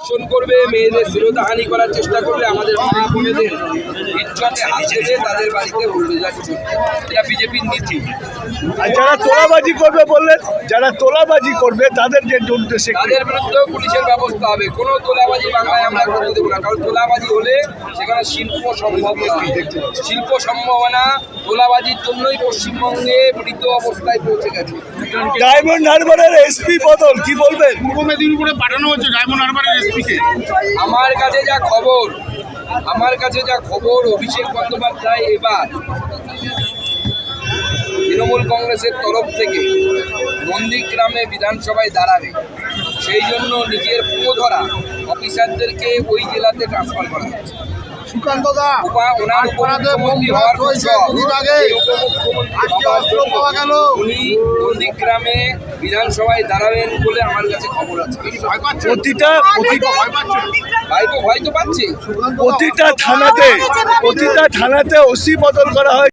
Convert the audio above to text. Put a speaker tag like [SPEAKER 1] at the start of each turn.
[SPEAKER 1] ধর্ষণ করবে, মেয়েদের শ্লীলতাহানি করার চেষ্টা করবে, আমাদের মা বোনেদের ইজ্জতে হাত দেবে, তাদের বাড়িতে উঠে যাচ্ছে। এটা বিজেপির নীতি।
[SPEAKER 2] আর যারা তোলাবাজি করবে বললেন, যারা তোলাবাজি করবে তাদের যে উদ্দেশ্যে
[SPEAKER 1] তাদের বিরুদ্ধেও পুলিশের ব্যবস্থা হবে। কোনো তোলাবাজি বাংলায় আমরা করতে দেবো না, কারণ তোলাবাজি হলে সেখানে শিল্প সম্ভব না। শিল্প সম্ভব না, তোলাবাজির জন্যই পশ্চিমবঙ্গে মৃত অবস্থায় পৌঁছে গেছে।
[SPEAKER 2] ডায়মন্ড হারবারের এসপি বদল কি বলবেন?
[SPEAKER 3] পূর্ব মেদিনীপুরে পাঠানো হচ্ছে ডায়মন্ড হারবারের এসপিকে।
[SPEAKER 1] আমার কাছে যা খবর অভিষেক বন্দ্যোপাধ্যায় এবার তৃণমূল কংগ্রেসের তরফ থেকে নন্দীগ্রামে বিধানসভায় দাঁড়াবে, সেই জন্য নিজের পুরোধরা অফিসারদেরকে ওই জেলাতে ট্রান্সফার করা হচ্ছে। ওনার উপমুখ্যমন্ত্রী হওয়ার পর উনি নন্দীগ্রামে বিধানসভায় দাঁড়াবেন বলে আমার কাছে খবর আছে। ভাইপো ভয় তো পাচ্ছে।
[SPEAKER 2] প্রতিটা থানাতে ওসি বদল করা হয়।